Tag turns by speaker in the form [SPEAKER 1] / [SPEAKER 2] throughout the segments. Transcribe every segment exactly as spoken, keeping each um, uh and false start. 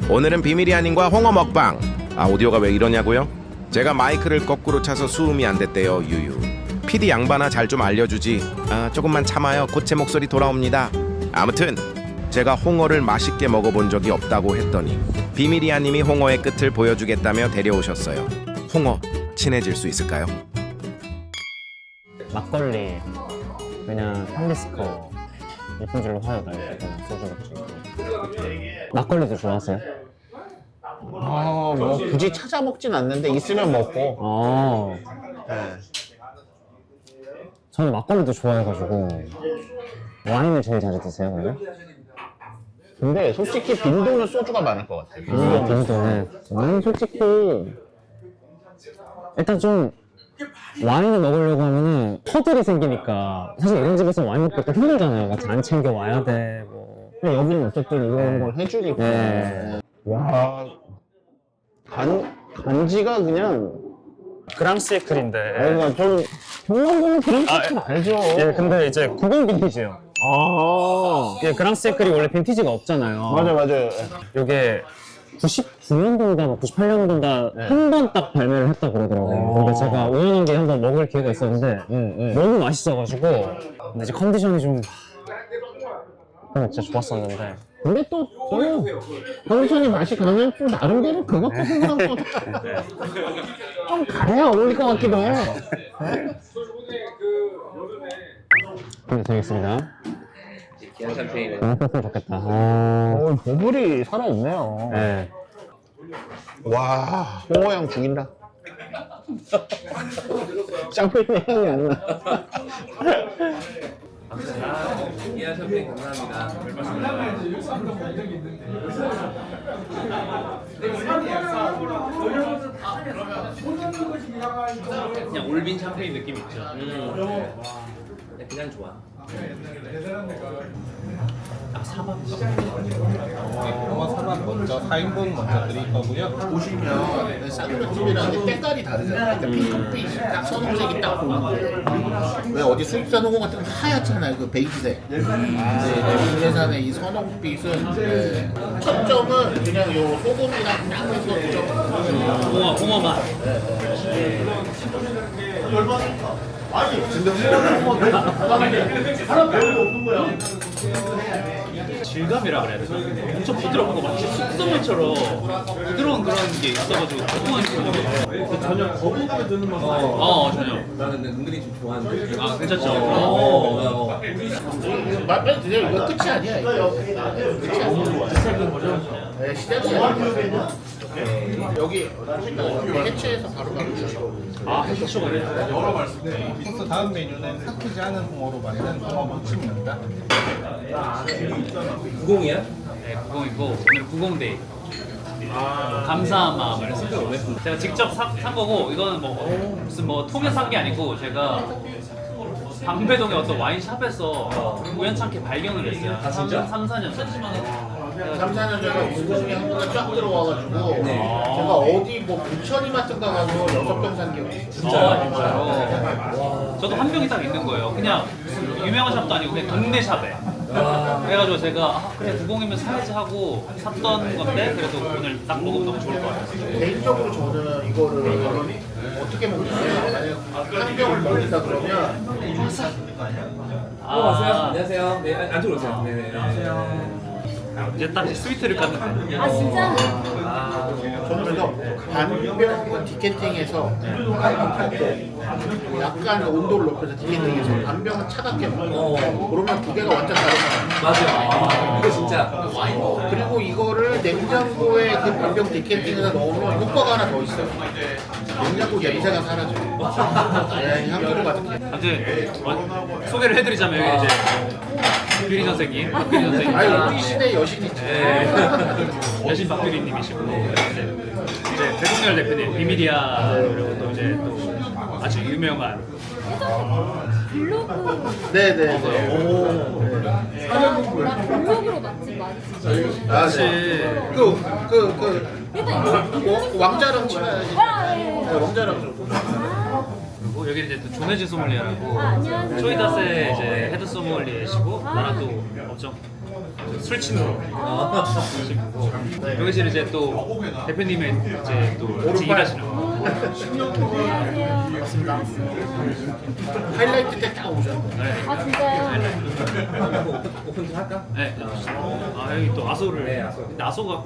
[SPEAKER 1] 오늘은 비밀이 아닌과 홍어 먹방. 아, 오디오가 왜 이러냐고요? 제가 마이크를 거꾸로 차서 수음이 안 됐대요. 유유. 피디 양반아 잘 좀 알려주지. 아, 조금만 참아요. 곧 제 목소리 돌아옵니다. 아무튼 제가 홍어를 맛있게 먹어본 적이 없다고 했더니 비밀이아님이 홍어의 끝을 보여주겠다며 데려오셨어요. 홍어 친해질 수 있을까요?
[SPEAKER 2] 막걸리 그냥 탐리스커 예쁜 줄로 화요 날리고 소주 먹고. 막걸리도 좋아하세요?
[SPEAKER 3] 아, 뭐 굳이 찾아 먹진 않는데 있으면 먹고.
[SPEAKER 2] 어.
[SPEAKER 3] 네.
[SPEAKER 2] 저는 막걸리도 좋아해가지고. 와인을 제일 자주 드세요, 그러면?
[SPEAKER 3] 근데 솔직히 빈도는 소주가 많을 것 같아요.
[SPEAKER 2] 아, 빈도는. 저는 솔직히 일단 좀 와인을 먹으려고 하면은 터들이 생기니까 사실 이런 집에서 와인 먹기 또 힘들잖아요. 같이 안 챙겨 와야 돼. 뭐. 근데 여기는 어쨌든 이런 걸
[SPEAKER 3] 해주니까.
[SPEAKER 2] 네.
[SPEAKER 3] 와, 간, 간지가 그냥.
[SPEAKER 2] 그랑시에클인데.
[SPEAKER 3] 아니, 좀, 평범한 그랑시에클
[SPEAKER 2] 아,
[SPEAKER 3] 알죠?
[SPEAKER 2] 예, 근데 이제 구공 빈티지예요.
[SPEAKER 3] 아,
[SPEAKER 2] 예, 그랑시에클이 원래 빈티지가 없잖아요.
[SPEAKER 3] 맞아, 맞아요.
[SPEAKER 2] 요게 구십구 년도인가 뭐 구십팔 년도인가
[SPEAKER 3] 네.
[SPEAKER 2] 한 번 딱 발매를 했다 그러더라고요. 근데 제가 우연한 게 한 번 먹을 기회가 있었는데
[SPEAKER 3] 응, 응.
[SPEAKER 2] 너무 맛있어가지고 근데 이제 컨디션이 좀 그냥 진짜 좋았었는데
[SPEAKER 3] 근데 또, 또, 컨디션이 맛이 가면 또 나름대로 그것도 생각하고 좀 가야 어울릴 것 같기도 해요.
[SPEAKER 2] 네, 되겠습니다.
[SPEAKER 4] 기한 샴페인은
[SPEAKER 2] 너무 뺐으면 좋겠다. 아,
[SPEAKER 3] 어, 버블이 살아있네요.
[SPEAKER 2] 네.
[SPEAKER 3] 와, 홍어향 죽인다. 샴페인 향이 안 나.
[SPEAKER 4] 기한 샴페인 감사합니다. 그냥 올빈 샴페인 느낌 있죠. 음. 그냥 좋아. 아, 사밥.
[SPEAKER 5] 홍어 사밥 먼저 사 인분 먼저 드릴 거고요.
[SPEAKER 6] 보시면 쌍꺼풀이라는 게 때깔이 다르잖아요. 그러니까 핑크빛이 딱 선홍색이 딱 보이는 거예요. 왜 어디 수입산 홍어 같은 거 하얗잖아요. 그 베이지색. 네, 국내산의 이 선홍빛은 네. 첫 점은 그냥 요 소금이랑 딱 해서 좀
[SPEAKER 4] 홍어, 홍어 맛. 질감이라 그래야 되나? 엄청 부드럽고 마치 숙성물처럼 부드러운 그런 게 있어가지고 고소한 느낌이 전혀 거부감이 드는 맛은 아니에요. 어, 전혀. 나는 은근히 좀 좋아하는데. 아, 괜찮죠? 어, 어.
[SPEAKER 6] 말 빨리 드세요. 이거 끝이 아니야. 이거 끝이 아니야. 시작인 거죠? 네, 시작이야. 여기 해체해서 바로 바로 주시고.
[SPEAKER 4] 아, 해초가 아니야.
[SPEAKER 5] 코스 다음 메뉴는 삭히지 않은 홍어로 만든 홍어 무침입니다.
[SPEAKER 4] 구공이야? 네, 구공이고 오늘 구공데이. 감사한 마음을 써요. 제가 직접 사, 산 거고 이거는 뭐 무슨 뭐 통에 산 게 아니고 제가 방배동의 어떤 와인샵에서 우연찮게 발견을 했어요. 아, 진짜? 삼, 사 년 전에.
[SPEAKER 6] 삼, 사 년 전에 구공이 한번에 쫙 들어와가지고 제가 어디 뭐 부천이 같은가 가서 여섯 병 산 기억이 있어요.
[SPEAKER 4] 진짜 진짜요? 저도 한 병이 딱 있는 거예요. 그냥 무슨 유명한 샵도 아니고 그냥 동네 샵에. 그래가지고 제가 아, 그래 구공이면 사야지 하고 샀던 건데 그래도 오늘 딱 먹으면 너무 좋을 것 같아요.
[SPEAKER 6] 개인적으로 저는 이거를 어떻게 먹냐면 만약 한 병을 먹는다 그러면
[SPEAKER 4] 아, 안녕하세요. 네, 안쪽으로 오세요. 네, 네. 안녕하세요. 이제 딱 스위트를 깠는데.
[SPEAKER 7] 아 진짜?
[SPEAKER 6] 저는 그래서 반병 디캔팅해서 약간 온도를 높여서 디캔팅해서 반병은 차갑게 먹고 그러면 두 개가 완전 다른 거예요.
[SPEAKER 4] 맞아요. 이거 진짜.
[SPEAKER 6] 그리고 이거를 냉장고에 그 반병 디캔팅에다 넣으면 효과가 하나 더 있어요. 냉장고 냄새가 사라져요. 네, 향기로 가득해.
[SPEAKER 4] 아무튼 어, 소개를 해드리자면 여기 이제 박규리 선생님, 박규리 선생님.
[SPEAKER 6] 아니 우리 시대 여신이지.
[SPEAKER 4] 네. 여신 박규리님이시고 이제, 이제 배동열 대표님, 비밀이야 그리고 또 이제 또 아주 유명한
[SPEAKER 7] 블로그
[SPEAKER 6] 네네네. 오.
[SPEAKER 7] 나 블로그로 맛집 많이 지죠.
[SPEAKER 6] 아, 네. 그, 그, 그,
[SPEAKER 7] 일단 이거
[SPEAKER 6] 어, 왕자랑 친해야지.
[SPEAKER 7] 아, 예.
[SPEAKER 6] 네, 왕자랑 좀.
[SPEAKER 4] 그리고 여기 이제 또 조네즈 소믈리에라고
[SPEAKER 7] 아, 안녕하세요.
[SPEAKER 4] 초이다스의 이제 헤드 소믈리에시고 나랑 또 엄청 술 친으로. 여기서 이제 또 대표님의 이제 또 같이 일하시는 거.
[SPEAKER 6] 하이라이트 때 딱 오셨네.
[SPEAKER 7] 아 진짜요?
[SPEAKER 4] 오픈 좀 할까? 네. 아 여기 또 아소를. 네, 아소가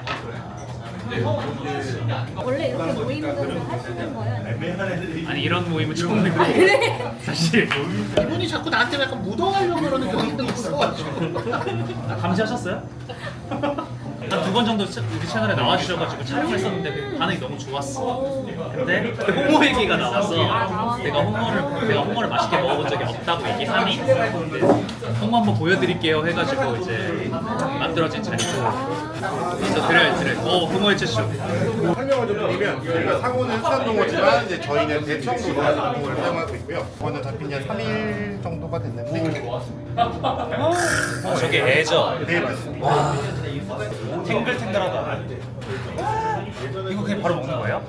[SPEAKER 7] 원래 이렇게 모임들을 하시는 거예요?
[SPEAKER 4] 아니 이런 모임은 처음이고 사실
[SPEAKER 6] 이분이 자꾸 나한테 약간 묻어가려고 그러는 경향도 있어가지고.
[SPEAKER 4] 아, 감시하셨어요? 한 두 번 정도 차- 우리 채널에 나와주셔가지고 촬영했었는데 그 반응이 너무 좋았어. 근데 홍어 얘기가 나와서 내가 홍어를 내가 홍어를 맛있게 먹어본 적이 없다고 얘기하니 홍어 한번 보여드릴게요 해가지고 이제 만들어진 자리고 그래서 드려요 드려요. 어 홍어의 채쇼.
[SPEAKER 8] 설명을 좀 드리면 저희가 상호는 수산동어지만 이제 저희는 대청도 동어를 사용하고 있고요. 이거는 잡힌 지 한 삼 일 정도가 됐는데
[SPEAKER 4] 아, 저게 애죠?
[SPEAKER 8] 네 맞습니다.
[SPEAKER 4] 탱글탱글하다. 이거 그냥 바로 먹는 거예요?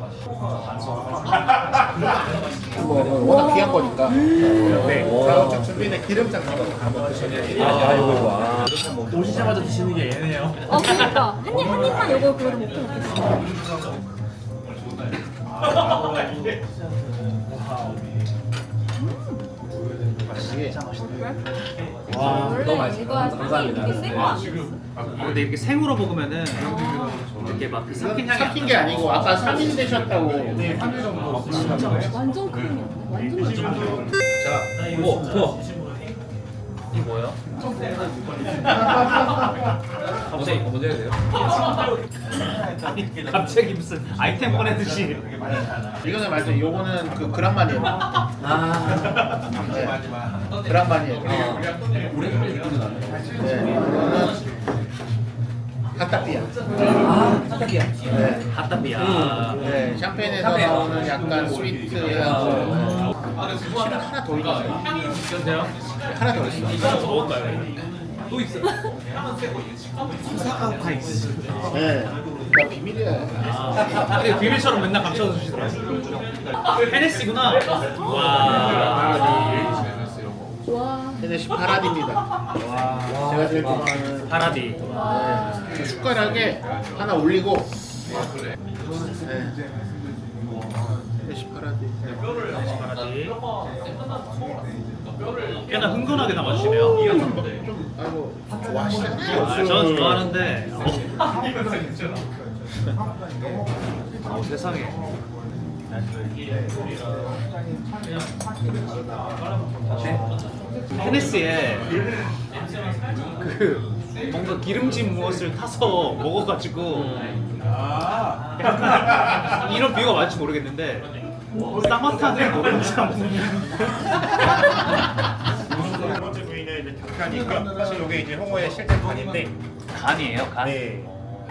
[SPEAKER 6] 뭐 워낙 귀한 거니까.
[SPEAKER 8] 네. 자동차 준비는 기름장 찍어서 한번 드시면 돼요.
[SPEAKER 4] 오시자마자 드시는 게 얘네요.
[SPEAKER 7] 어 그러니까 한 입 한 입만 요거 그래도 먹고 먹겠어. 원래 이거 사실 이게 센거 아니었어?
[SPEAKER 4] 아, 근데 이렇게 생으로 먹으면은 이렇게 막 그 삭힌 향이
[SPEAKER 6] 삭힌 게 아니고 아까 삼 일 되셨다고.
[SPEAKER 7] 완전 크림이야. 완전 맛있어.
[SPEAKER 4] 자, 이거 더. 이게 뭐예요? 갑자기 이거 먼저 해야 돼요? 아니 갑자기 무슨 아이템 꺼내듯이.
[SPEAKER 6] 이거는 말씀 요거는 그 그란만이에요. 아. 네. 그란만이에요. 네. 이거는 핫따삐야.
[SPEAKER 4] 아, 핫따비야.
[SPEAKER 6] 네.
[SPEAKER 4] 핫따비야.
[SPEAKER 6] 네. 샴페인에서 나오는 약간 스위트하고 실은 하나 더 있어요.
[SPEAKER 4] 괜찮아요?
[SPEAKER 6] 하나 더 있어.
[SPEAKER 4] 먹을까요? 또 있어.
[SPEAKER 6] 네. 나 비밀이야.
[SPEAKER 4] 아, 근데 비밀처럼 맨날 감춰 주시더라고요. 헤네시구나. 와.
[SPEAKER 7] 와.
[SPEAKER 6] 헤네시 파라디입니다. 제가 제일 좋아하는
[SPEAKER 4] 파라디.
[SPEAKER 6] 네. 숟가락에 하나 올리고 네. 헤네시 파라디.
[SPEAKER 4] 파라디. 꽤나 흥건하게 담아주시네요.
[SPEAKER 6] 좀 아이고 좋아하시잖아요.
[SPEAKER 4] 아, 저는 좋아하는데. 어, 세상에. 헤네스에 그 뭔가 기름진 무엇을 타서 먹어가지고 약간 이런 비유가 맞을지 모르겠는데 쌍화탕을 노른자
[SPEAKER 8] 두 번째 부위는 이제 닭간이고요. 사실 이게 이제 홍어의 실제 간인데
[SPEAKER 4] 간이에요, 간?
[SPEAKER 8] 네.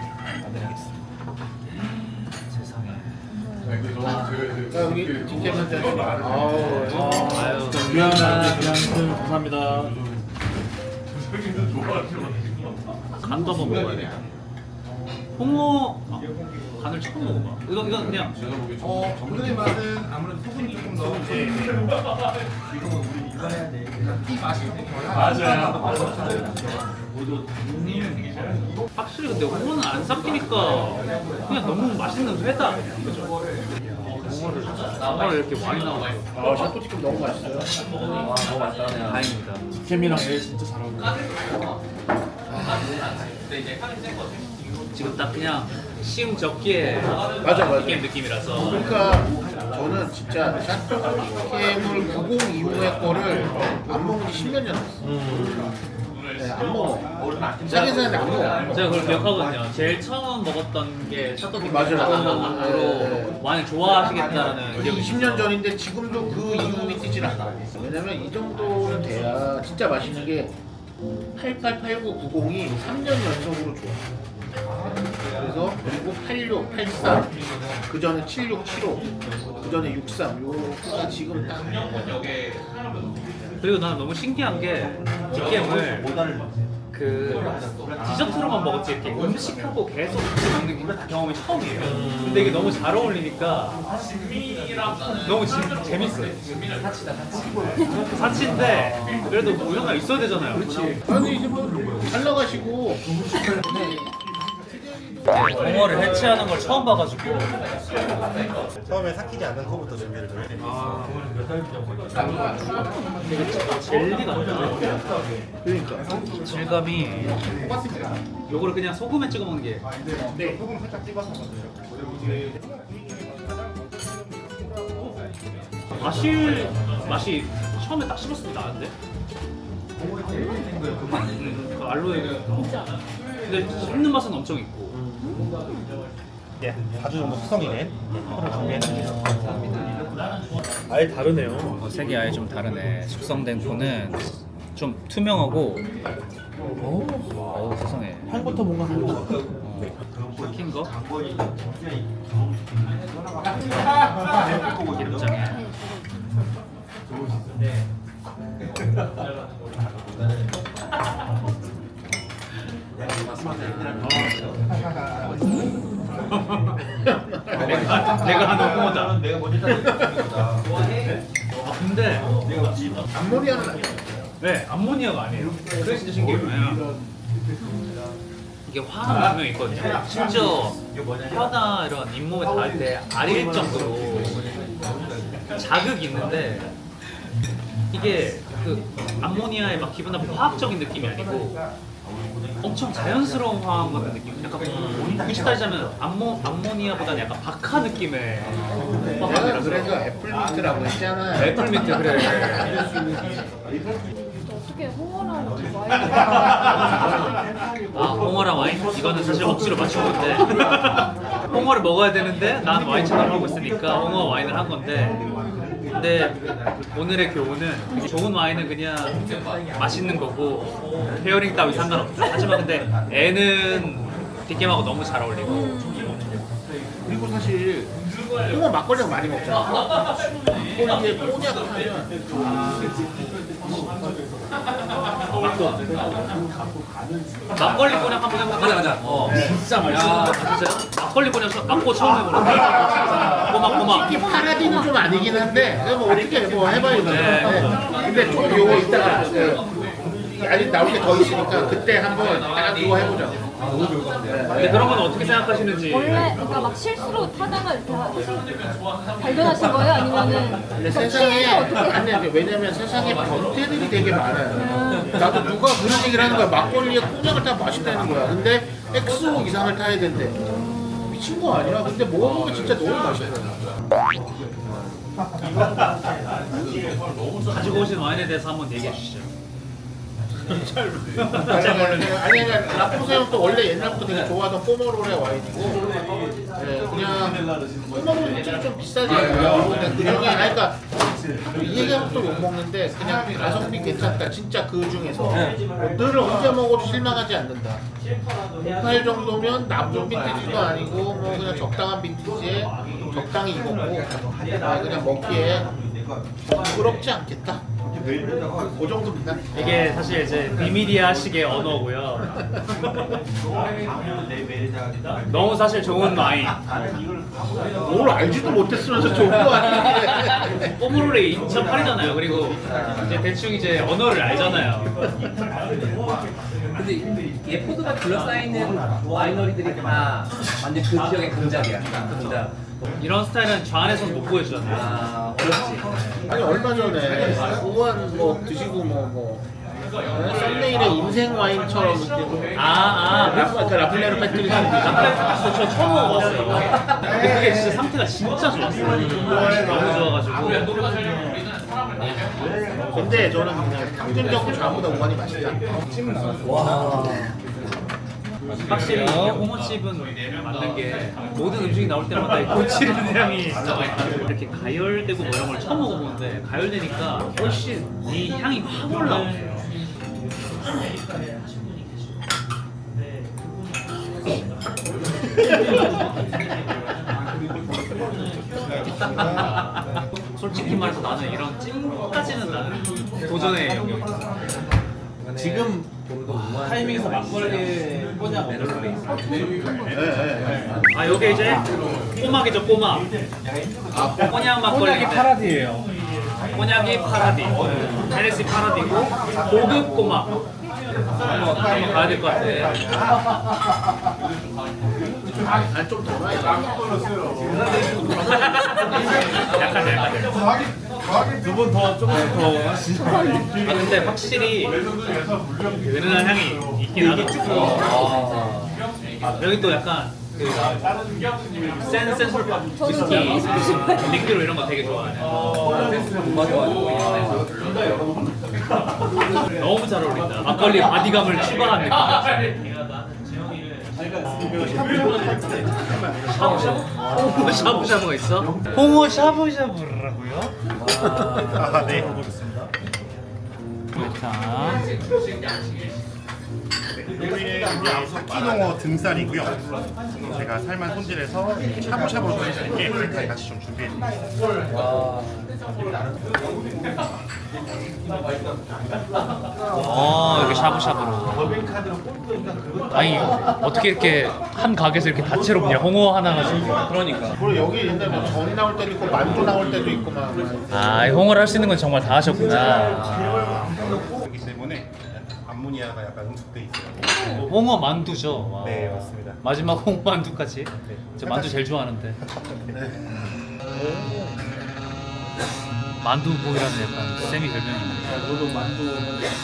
[SPEAKER 6] 자, 여기 뒷게 먼저 하시죠. 아우.
[SPEAKER 4] 아유,
[SPEAKER 5] 감사합니다.
[SPEAKER 4] 간도 한번 먹어야 돼. 홍어 아, 간을 처음 먹어봐. 이거 이건 그냥
[SPEAKER 8] 어, 오늘의 맛은 아무래도 소금이 조금 더 이제
[SPEAKER 4] 확실히 근데 홍어는 안 삭히니까 그냥 너무 맛있는 회다 아니야, 그죠? 홍어를 홍어를 이렇게 많이 나오고
[SPEAKER 6] 아, 샤토치킨 너무 맛있어요.
[SPEAKER 4] 다행입니다.
[SPEAKER 5] 캠이랑 애 진짜 잘 어울려.
[SPEAKER 4] 지금 딱 그냥 시음 적기에
[SPEAKER 6] 맞아, 맞아.
[SPEAKER 4] 게임 느낌이라서
[SPEAKER 6] 그러니까 저는 진짜 샤토치킨을 구십 이후의 거를 안 먹은 지 십 년 전 됐어. 네, 안 먹어. 싸게 사는데 안 먹어.
[SPEAKER 4] 제가 그걸 기억하거든요. 제일 처음 먹었던 게 샤토비키
[SPEAKER 6] 맞아요.
[SPEAKER 4] 으로 많이 좋아하시겠다라는
[SPEAKER 6] 그게
[SPEAKER 4] 기억이
[SPEAKER 6] 이십 년 전인데 지금도 그 이름이 뜨진 않아. 왜냐면 이 정도는 돼야 진짜 맛있는 게 팔십팔, 팔십구, 구십이 삼 년 연속으로 좋아. 그래서 그리고 팔십육, 팔십삼, 그 전에 칠십육, 칠십오, 그 전에 육십삼, 요거가 지금 딱.
[SPEAKER 4] 그리고 난 너무 신기한 게 뒷게임을 그 그 디저트로만 먹었지 이렇게 음식하고 계속 같이 먹는 게 경험이 처음이에요. 근데 이게 너무 잘 어울리니까 너무 지, 재밌어요. 사치다 사치. 사치인데 그래도 뭐 이런 거 있어야 되잖아요. 그렇지.
[SPEAKER 6] 아니 이제 뭐잘 나가시고
[SPEAKER 4] 붕어를 해체하는 걸 처음 봐가지고
[SPEAKER 8] 처음에 삭히지 않는 코부터 준비를 좀 해드릴게요.
[SPEAKER 4] 되게 젤리 같아요. 그러니까 질감이 요거를 그냥 소금에 찍어 먹는 게
[SPEAKER 8] 네, 소금 살짝 찍어서 먹어요.
[SPEAKER 4] 맛이 맛이 처음에 딱 씹었을 때 나는데 음, 그 알로에 근데 씹는 맛은 엄청 있고
[SPEAKER 8] 예, 사 주 정도 숙성이 된 코를 준비해드릴게요.
[SPEAKER 4] 아예 다르네요. 색이 아예 좀 다르네. 숙성된 코는 좀 투명하고 오, 어우 세상에
[SPEAKER 6] 향부터 뭔가 달라.
[SPEAKER 4] 삭힌 거 기름장에 내가 내가 하는 홍어다. 내가 먼저 아 근데
[SPEAKER 6] 암모니아는 아니야.
[SPEAKER 4] 네 암모니아가 아니에요. 그게 진짜 신기해요. 이게 화는 분명히 있거든요. 심지어 혀나 이런 잇몸에 닿을 때 아릴 정도로 자극이 있는데 이게 그 암모니아의 막 기분 나쁜 화학적인 느낌이 아니고 엄청 자연스러운 화학 같은 느낌. 약간 굳이 따지자면 암모 암모니아보다는 약간 박하 느낌의
[SPEAKER 6] 내가
[SPEAKER 4] 화학이라서.
[SPEAKER 6] 그래서 애플민트라고 했잖아.
[SPEAKER 4] 애플민트 그래.
[SPEAKER 7] 어떻게 홍어랑 와인
[SPEAKER 4] 아 홍어랑 와인? 이거는 사실 억지로 맞춘 건데 홍어를 먹어야 되는데 난 와인 채널을 하고 있으니까 홍어 와인을 한 건데 근데 오늘의 교훈은 좋은 와인은 그냥 맛있는 거고 페어링 따위 상관없다. 하지만 근데 애는 뒷게임하고 너무 잘 어울리고
[SPEAKER 6] 그리고 사실 홍어 막걸리가 많이 먹잖아. 막걸리에 꼬냑 하면
[SPEAKER 4] 막걸리 꼬냑 한번 해볼까? 가자 가자. 어 진짜 맛있어. 진짜 막걸리 꼬냑 막고 처음 해보는데 꼬막 꼬막.
[SPEAKER 6] 이 파라디는 좀 아니긴 한데 그냥 뭐 어떻게 뭐 해봐야죠. 네. 근데 좀 요거 이따가 그, 아직 나올 게 더 있으니까 그때 한번 딱 이거 해보자.
[SPEAKER 4] 근데 그런 건 어떻게 생각하시는지.
[SPEAKER 7] 원래 그러니까 막 실수로 타다가 이렇게 하신 발견하신 거예요? 아니면은
[SPEAKER 6] 근데
[SPEAKER 7] 막
[SPEAKER 6] 세상에
[SPEAKER 7] 피해서 어떻게
[SPEAKER 6] 아니 근데 왜냐면 세상에 변태들이 되게 많아요. 나도 누가 그런 얘기를 하는 거야. 막걸리에 꼬냑을 타면 맛있다는 거야. 근데 엑스오 이상을 타야 된대. 미친 거 아니야? 근데 먹어보면 진짜 너무 맛있어.
[SPEAKER 4] 가지고 오신 와인에 대해서 한번 얘기해 주시죠.
[SPEAKER 6] 아니 아니 라포세는 또 원래 옛날부터 되게 좋아하던 포머롤의 와인이고 예, 그냥 포머롤은 좀 비싸잖아요. 근데 그 중에 아니 그러니까 이 얘기하면 또 욕먹는데 그냥 가성비 괜찮다. 진짜 그 중에서 늘 언제 먹어도 실망하지 않는다. 오팔 정도면 나쁜 빈티지도 아니고 뭐 그냥 적당한 빈티지에 적당히 익었고 아, 그냥 먹기에 부끄럽지 않겠다. 그 정도입니다.
[SPEAKER 4] 이게 사실 이제 비미디아식의 언어고요. 너무 사실 좋은 와인.
[SPEAKER 6] 뭘 알지도 못했으면서 좋은 거 아니야?
[SPEAKER 4] 뽀모로레 이천팔이잖아요. 그리고 이제 대충 이제 언어를 알잖아요.
[SPEAKER 9] 근데 예포드가 둘러싸이는 와이너리들이 다 완전 그 지역의 강작이야. 그 강작.
[SPEAKER 4] 이런 스타일은 저 안에서는 못 보여주잖아요.
[SPEAKER 9] 아, 어렵지.
[SPEAKER 6] 아니 얼마 전에 우한 뭐 드시고 뭐뭐 썸네일의 인생 와인처럼 이렇게
[SPEAKER 4] 아, 아,
[SPEAKER 6] 라프, 그 라플레르 패트리
[SPEAKER 4] 저, 저 처음 먹어봤어요. 이거. 근데 그게 진짜 상태가 진짜 좋았어요. 너무 좋아가지고.
[SPEAKER 6] 근데 저는 그냥 평균적으로 저보다 우한이 맛있다.
[SPEAKER 4] 확실히 이게 홍어집은 맞는 게 모든 음식이 나올 때마다 이 고치는 향이 진짜 많이 나요. 이렇게 가열되고 뭐 이런 걸 처음 먹어보는데 가열되니까 훨씬 이 향이 확 올라오네요. 솔직히 말해서 나는 이런 찜까지는 나는 도전의 영역이 있어.
[SPEAKER 6] 지금
[SPEAKER 4] 타이밍에서 막걸리 꼬냑 먹는 게 있어.
[SPEAKER 6] 네, 네.
[SPEAKER 4] 아 요게 이제 꼬막이죠 꼬막. 아 꼬냑 막걸리. 꼬냑이 파라디예요. 꼬냑이 파라디. 헤네시 파라디고 고급 꼬막. 한번 가야 될 것 같아.
[SPEAKER 6] 아좀 더 나요.
[SPEAKER 4] 약간 약간. 두 분 더 조금씩 더. 아 근데 확실히 은은한 향이 있긴 하다. 아, 여기 또 약간 그센 센술 위스키 리큐르 이런 거 되게 좋아하네. 너무 잘 어울린다. 막걸리 바디감을 추가한 느낌. 샤브샤브? 샤브샤브가 있어? 홍어 샤브샤브라고요?
[SPEAKER 8] 아, 네. 보겠습니다.
[SPEAKER 4] 자,
[SPEAKER 8] 여기는 스키농어 등살이고요. 제가 살만 손질해서 샤브샤브로 드릴게 이렇게 같이 좀 준비해드릴게요.
[SPEAKER 4] 어 이렇게 샤브샤브로. 아니 어떻게 이렇게 한 가게에서 이렇게 다채롭냐? 홍어 하나 가지고. 그러니까.
[SPEAKER 6] 그리고 여기 옛날에 뭐전 나올 때도 있고 만두 나올 때도 있고 막.
[SPEAKER 4] 아, 이 홍어를 할 수 있는 건 정말 다 하셨구나.
[SPEAKER 8] 그렇기 때문에 암모니아가 약간 응축돼 있어요.
[SPEAKER 4] 홍어 만두죠. 와.
[SPEAKER 8] 네, 맞습니다.
[SPEAKER 4] 마지막 홍어 만두까지. 저 만두 제일 좋아하는데. 만두복이라는 약간 쌤이 별명입니다.
[SPEAKER 6] 저도 만두.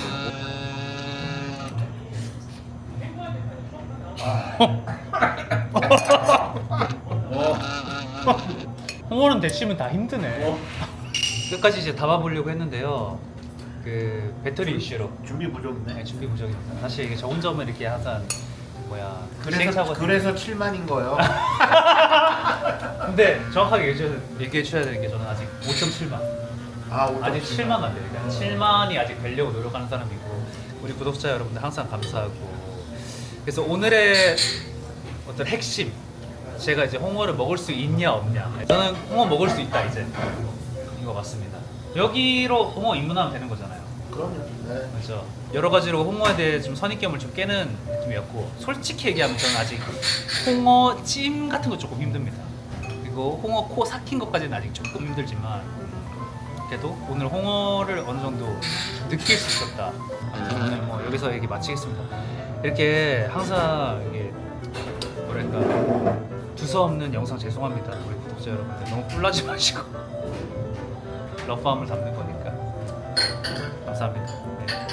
[SPEAKER 4] 홍어는 데치면 다 힘드네. 끝까지 이제 담아보려고 했는데요. 그 배터리 이슈로
[SPEAKER 6] 준비 부족이네.
[SPEAKER 4] 네, 준비 부족입니다. 사실 이게 저 혼자면 이렇게 항상 뭐야
[SPEAKER 6] 그래서
[SPEAKER 4] 시행착오가
[SPEAKER 6] 그래서 칠만인 거예요.
[SPEAKER 4] 근데 정확하게 얘기해, 얘기해 주셔야 되는 게 저는 아직 오 점 칠만.
[SPEAKER 6] 아,
[SPEAKER 4] 아직 칠만 안 돼요. 그러니까 칠만이 아직 되려고 노력하는 사람이고 우리 구독자 여러분들 항상 감사하고. 그래서 오늘의 어떤 핵심, 제가 이제 홍어를 먹을 수 있냐 없냐. 저는 홍어 먹을 수 있다 이제 이거 맞습니다. 여기로 홍어 입문하면 되는 거잖아요.
[SPEAKER 6] 그럼요. 네.
[SPEAKER 4] 그렇죠. 여러 가지로 홍어에 대해 좀 선입견을 좀 깨는 느낌이었고, 솔직히 얘기하면 저는 아직 홍어 찜 같은 거 조금 힘듭니다. 그리고 홍어 코 삭힌 것까지는 아직 조금 힘들지만 그래도 오늘 홍어를 어느 정도 느낄 수 있었다. 오늘 뭐 여기서 얘기 마치겠습니다. 이렇게 항상 이게 뭐랄까 두서없는 영상 죄송합니다. 우리 구독자 여러분들 너무 꿀나지 마시고 러프함을 담는 거니까 감사합니다. 네.